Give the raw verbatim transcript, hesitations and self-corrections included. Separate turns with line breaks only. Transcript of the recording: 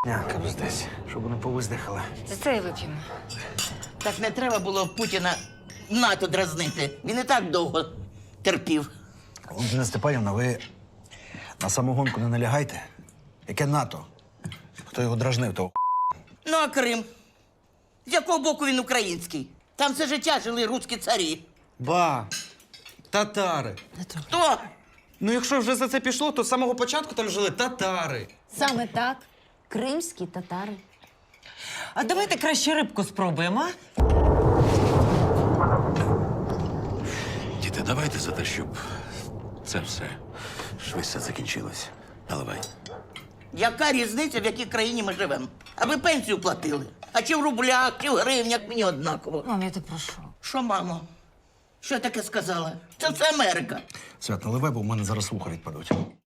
Нянка десь, щоб вони повиздихали.
За це і вип'ємо.
Так не треба було Путіна НАТО дразнити. Він і так довго терпів.
Валентина Степанівна, ви на самогонку не налягайте. Яке НАТО? Хто його дражнив, того
Ну, а Крим? З якого боку він український? Там все життя жили руські царі.
Ба, татари.
Хто?
Ну, якщо вже за це пішло, то з самого початку там жили татари.
Саме так. Кримські татари.
А давайте краще рибку спробуємо, а?
Діти, давайте за те, щоб це все швидше закінчилось. Наливай.
Яка різниця, в якій країні ми живемо? Аби пенсію платили. А чи в рублях, чи в гривнях, мені однаково.
Мам, я тебе прошу.
Що, мамо? Що я таке сказала? Це все Америка.
Свят, наливай, бо в мене зараз вуха відпадуть.